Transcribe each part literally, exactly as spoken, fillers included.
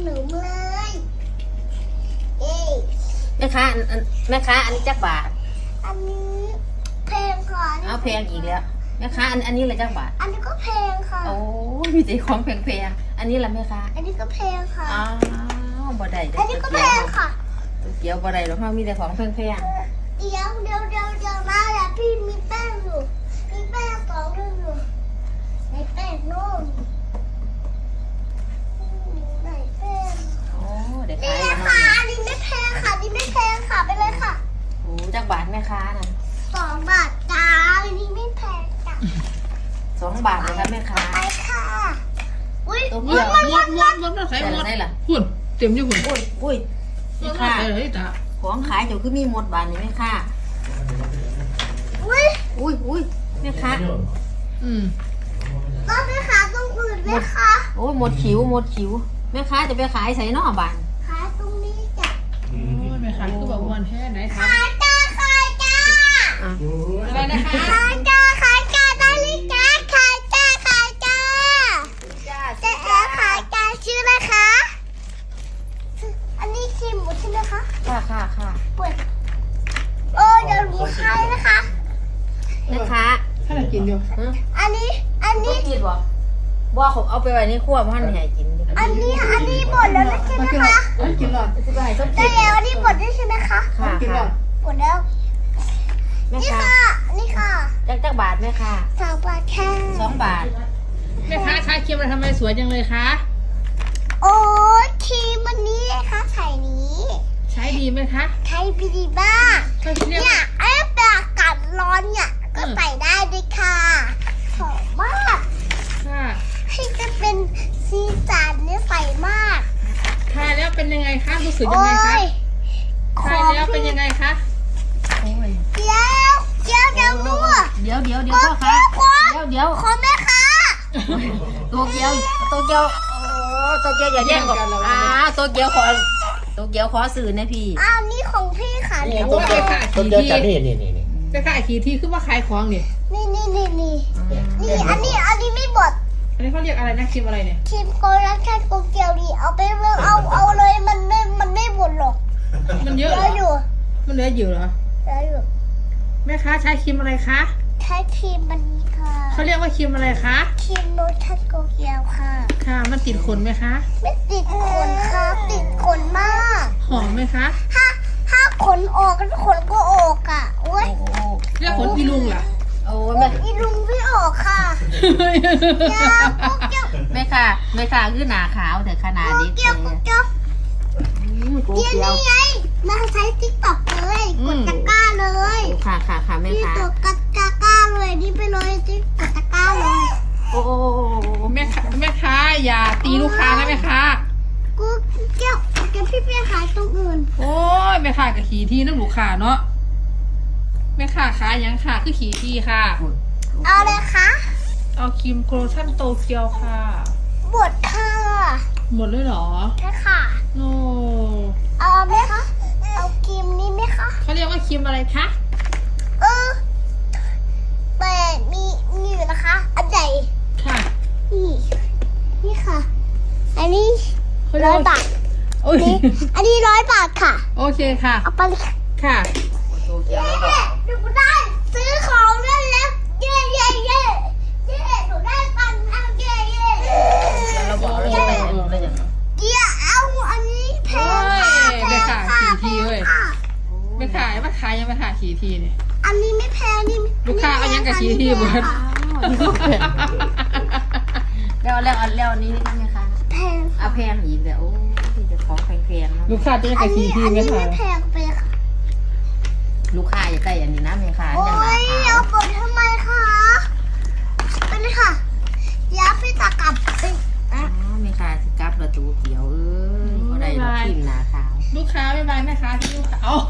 หนูเลยเอ๊ะแม่ค้าอันแม่ค้าอันนี้จักบาทอันนี้แพงค่ะเอาแพงอีกแล้วแม่ค้าอันอันนี้เลยจักบาทอันนี้ก็แพงค่ะโอ้ยมีแต่ของแพงๆอันนี้ละแม่ค้าอันนี้ก็แพงค่ะอ้าวบ่ได้เด้อันนี้ก็แพงค่ะเกี่ยวบ่ได้หรอกเฮามีแต่ของแพงเดี๋ยวเดี๋ยวเดี๋ยวเดี๋ยวนะเดี๋ยวพี่มีแป้งอยู่มีแป้งสองลูกอยู่ในแป้งนู่นไหนแป้งๆโอ้เดี๋ยวนี่ขายนะแล้วคะอันนี้ไม่แพงค่ะอันนี้ไม่แพงค่ะไปเลยค่ะโอ้จักบาทแม่ค้าน่ะสองบาทจ้าอันนี้ไม่แพงจ้ะสองบาทเลยครับแม่ค้าไปค่ะอุ้ยตัวมัเดียวนมันมมัดนมดมดมาใส่หมดได้ล่ะหุ่นเต็มอยู่หุ่นอุ้ยอุ้ยมแม่ดมาค้าใส่เลยจ้ะของขายเดี๋ยวคือมีหมดบาทนี่แม่ค้าอุ้ยอุ้ยอุ้ยแม่ค้าอืมก็ไปหาตรงอื่นไหมคะโอ้ยหมดขิวหมดขิวแม่ค้าจะไปขายใส่นอกบานขายตรงนี้จ้ะโอ้ยแม่ขายคือแบบวันแท้ไหนทขายจ้าขายจ้าอ่ะำอะไรนะคะขายจ้าขายจ้าได้เลยจ้าขายจ้าขายจ้าเจ๊แอร์ขายจ้าชื่ออะไรคะอันนี้ครีมหมดใช่ไหมคะค่ะค่ะค่ะเปิดโอ้เดี๋ยวหนูขายนะคะแม่ค้าถ้าเรากินอยู่ฮะอันนี้อันนี่นี้กินบ่บ่เขาเอาไปไว้ในครัวพันให้กินดิอันนี้อันนี้หมดแล้วใช่ไหมคะกินหลอดจะไปให้ส้มได้กินแล้วอันนี้หมดแล้วใช่ไหมคะค่ะกินหลอค่ะดหมดแล้วแม่นี่ค้าค่ะนี่ค่ะจักจักบาทแม่ค้าสองบาทแค่สองบาทแม่ค้าขายเค็มอะไรทำไมสวยจังเลยคะโอ้ยครีมวันนี้นะคะใส่นี้ใช้ดีไหมคะใช้บีดีบ้าใช้เรียกเนี่ยไอ้ปลากัดร้อนเนี่ยก็ใส่ได้ด้วยค่ะหอมมากค่ะให้จะเป็นสีสันเนี่ยใสมากทานแล้วเป็นยังไงคะรู้สึกยังโอ้ไงคะยทานแล้วเป็นยังไงคะโอ้ยเดี๋ยวเดี๋ยวเดี๋ยวนู่นเดี๋ยวเดี๋ยวเดี๋ยวพ่อค้าเดี๋ยวเดี๋ยวขอแม่ค่ะตัวเกียวตัวเกียวโอ้ตัวเกียวอย่าแย่งกันอ่าตัวเกียวขอตัวเกียวขอสื่อนะพี่อ้าวนี่ของพี่ค่ะโอ้นี่โหแม่ค้าต้ขี่นเดียวที่จากนี่นี่นี่นี่แม่ค้าขี่ที่คือว่าขายของนี่นี่นี่นี่นี่นี่อันนี้อันนี้ไม่บดอันนี้เขาเรียกอะไรนะครีมอะไรเนี่ยครีมโกลักแค่โกเกียวดีเอาไปเมืองเอาเอาเลยมันไม่มันไม่บดหรอกมันเยเยอะเหรอะออยู่มันเหลืออยู่เหรอเยอะอยู่แม่ค้าใช้ครีมอะไรคะใช้ครีมมันนี้ค่ะเขาเรียกว่าครีมอะไรคะครีมโลชั่นโกเกียวค่ะค่ะมันติดขนไหมคะไม่ติดขนค่ะติดขนมากหอมไหมคะถ้าถ้าขนออกก็ขนก็ออกอ่ะโอ้ยโอ้เรียกขนอีลุงเหรอโอ้ขแม่นอีลุงไม่ออกค่ะยาโกเกียวแม่ค่ะแม่ค่ะคือหนาขาวแต่ขนาดโกนี้เกียวโกเกียวกูเดี๋ยวเกียวนี้ไงมาใช้ติ๊กต็อกเลยกดตะกร้าเลยค่ะค่ะค่ะแม่นี่ค่ะตัวกดตะกร้าเลยนี่ไปเลยติ๊กกดตะกร้าเลยโอ้โอ้แม่ค้าแม่ค้าอย่าตีลูกค้านะแม่ค้ากูเกี่ยวเกี่ยวพี่เปียขายตรงอื่นโอ้ยแม่ค้ากับขี่ที่น้ำลูกค้าเนาะแม่ค้าขายยังค่ะคือขี่ที่ค่ะเอาเลยคะเอาครีมโกลชั่นโตเกียวค่ะบดค่ะหมดเลยเหรอใช่ค่ะโอ้เอาไหมคะ เอาครีมนี้ไหมคะเขาเรียกว่าครีมอะไรคะเออแต่มีมีอยู่นะคะ อันใหญ่ค่ะนี่ นี่ค่ะ อันนี้เขาเรียร้กอยว่าบาทโอ้ยนี่อันนี้ร้อยบาทค่ะโอเคค่ะเอาไปเลยค่ะค่ะเย้หนูได้ซื้อของได้แล้ว เย้เย้เย้เย้หนูได้ตังค์แล้วเย้เย้เราบอกเราจะไปอันนี้แล้วอย่างเดี๋ยวเอาอันนี้แพงค่ะโอ้ยได้ค่ะแพงสี่ทีเว้ยค่ะไม่ขายไม่ขายยังไม่ขายขี่ทีเนี่ยอันนี้ไม่แพงนี่ลูกค้าเอายังกับชี้ที่เบิร์ดแล้วแล้วแล้วอันนี้นี่แม่ค่ะแพงเอาแพงอีกเดี๋ยวโอ้ยจะของแพงๆเนาะลูกค้าจะยังอักับนขี่นี้ทีอันไม่นี้ขาไม่ยแพงไปค่ะลูกค้าอย่าได้อันนี้นะแม่ค่ะโอ้อย่างหนาย ขาวเอากดทำไมคะไปเลยค่ะเดี๋ยวพี่ตากลับไปอ๋อแม่ค่ะสิกลับประตูเขียวเอ้ยก็ได้เราพิมพ์หนาขาวลูกค้าไม่บายแม่ค้าที่ลูกค้าเอา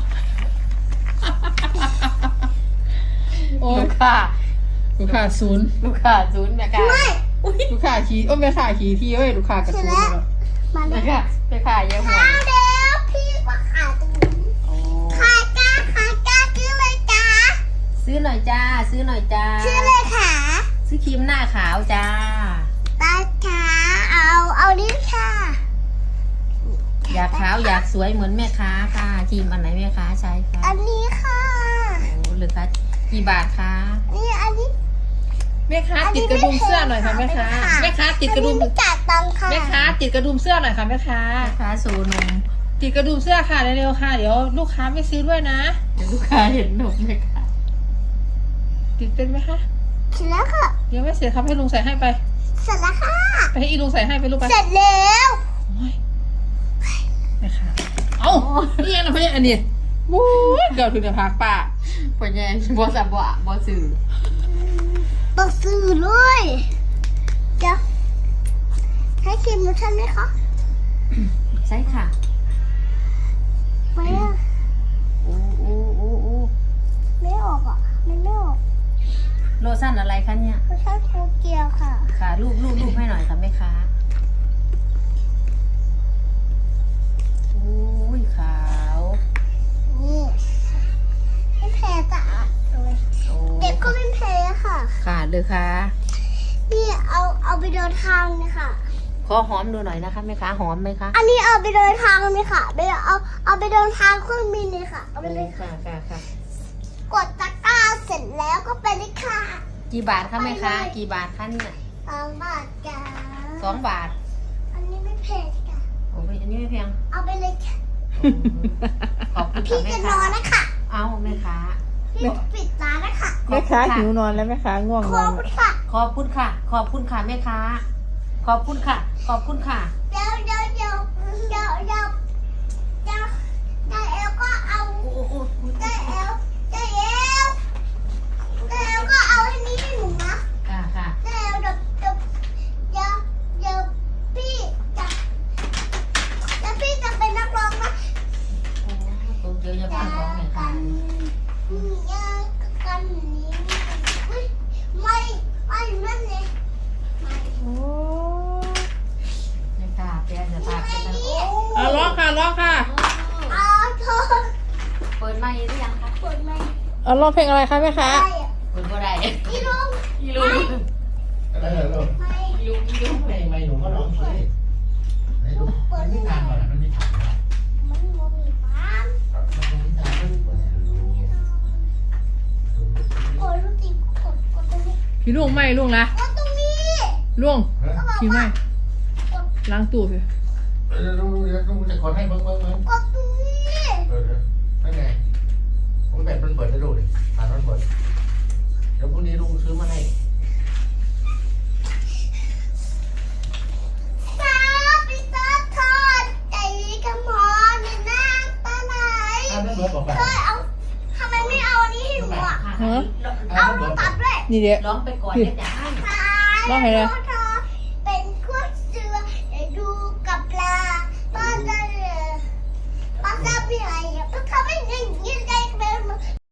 โอ้ลูกค้าลูกค้าศูนย์ลูกค้าศูนย์แม่ค่ะไม่ลูกค้าขี่โอ้แม่ค้าขี่ที่เว้ยลูกค้ากับศูนย์เลยเนาะมาเลแม่ยค่ะแม่ค่ะเยอะหัวเอาเดี๋ยวพี่มาขายตรงนี้โอ้ขายจ้าขายจ้าชื่อเลยจ้าซื้อหน่อยจ้า ซื้อหน่อยจ้าชื่อเลยค่ะซื้อครีมหน้าขาวจ้าตาขาเอาเอานี่ค่ะอยากขาวอยากสวยเหมือนแม่ค้าค่ะครีมอันไหนแม่ค้าใช้คะอันนี้ค่ะโอ้หรือคะกี่บาทคะนี่อันนี้แม่ค้าติดกระดุมเสื้อหน่อยค่ะแม่ค้าแม่ค้าติดกระดุมอันนี้ไม่จ่ายตังค์ค่ะแม่ค้าติดกระดุมเสื้อหน่อยค่ะแม่ค้าแม่ค้าโซนมติดกระดุมเสื้อค่ะเร็วๆค่ะเดี๋ยวลูกค้าไม่ซื้อด้วยนะเดี๋ยวลูกค้าเห็นนมแม่ค้าติดเป็นไหมคะเสร็จแล้วค่ะเดี๋ยวไม่เสร็จครับให้ลุงใส่ให้ไปเสร็จแล้วค่ะไปให้อีลุงใส่ให้ไปลูกไปเสร็จแล้วโอ้ยแม่ค้าเอ้านี่ยังนะพี่อันนี้บู๊ยเกือบถึงจะพักป้าปัญญาบอสับวะบอสื่อบอกสื่อเลยเดี๋ยวให้ครีมนูชั่นไหมคะใช่ค่ะไม่อะโอ้โอ้โอ้โอ้ไม่ออกอ่ะมันไม่ออกโลชั่นอะไรคะเนี่ยนูชั่นโตเกียวค่ะค่ะรูปรูปรูปให้หน่อยค่ะแม่ค้าโอ้ยขาวนี่ไม่แพ้จ้ะเลยโอ้เด็กก็ไม่แพ้ค่ะค่ะเลยค่ะนี่เอาเอาไปเดินทางเลยค่ะขอหอมดูหน่อยนะคะแม่ค้าหอมไหมคะอันนี้เอาไปเดินทางเลยค่ะไปเอาเอาไปเดินทางเครื่องบินเลยค่ะเอาไปเลยค่ะค่ะค่ะค่ะกดตะกร้าเสร็จแล้วก็ไปเลยค่ะกี่บาทคะแม่ค้าไปเลยกี่บาทคะเนี่ยสองบาทจ้าสองบาทอันนี้ไม่แพงจ้ะโอ้ยอันนี้ไม่แพงเอาไปเลยค่ะขอบคุณพี่ค่ะแม่จะนค้าอนนะคะเอาแม่ค้าพี่จะปิดร้านนะคะแม่ค้าหิวนอนแล้วแม่ค้าง่วงขนออบ นคุณค่ะขอบคุณค่ะ ขอบคุณค่ะแม่ค้า ขอบคุณค่ะ ขอบคุณค่ะเดี๋ยวเดี๋ยวเดี๋ยวเดี๋ยวเดี๋ยวเดี๋ยวเดี๋ยวเอลก็เอาโอ้โอ้โอ้เดี๋ยวเอลเดี๋ยวเอลเดี๋ยวเอลก็เอาอันนี้ให้หนูนะค่ะค่ะเดี๋ยวเดี๋ยวเดี๋ยวเดี๋ยวเดี๋ยวพี่จะเดี๋ยวพี่จะเป็นนักร้องนะโอ้ตัวเดียวจะพังของแม่ค้ายากันนี้อุ๊ยไม่ไม่นั่นเลยไม่โอ้แม่ค้าแกจะพาไปทางโอ้เอาร้องค่ะร้องค่ะเอาเธอเปิดไมค์หรือยังคะกดไม่เอาร้องเพลงอะไรคะแม่ค้าได้อะเปิดบ่ได้อีลุงอีลุงอะไรเหรอลูกไม่อีลุงอีลุงไม่ไม่หนูก็ร้องสิไหนดูมันไม่นานก่อนมันไม่ถ่ายนะมันโมมีฟันมันไม่นานมันเปิดดูกดลูกตีกดกดตรงนี้พี่ลุงไม่ลุงนะกดตรงนี้ลุงก็บอกพี่ไม่ว่าก ดล้างตู้สิเออลุงเดี๋ยวลุงจะกดให้เบิ้งเบิ้งเบิ้งกดตรงนี้เออไม่ไงผมแบตมันเปิดได้ดูดิผ่านมันเปิดเดี๋ยวพรุ่งนี้ลุงซื้อมาให้สาปิตาทอดใจกระหมอในหน้าตาไหนถ้าไม่เบิร์ดบอกไปเธอเอาทำไมไม่เอาอันนี้ให้หนูอ่ะค่ะฮะเอาตัดด้วยนี่เดี๋ยวร้องไปก่อนเดี๋ยวจะให้ตายว่าไงนะเธ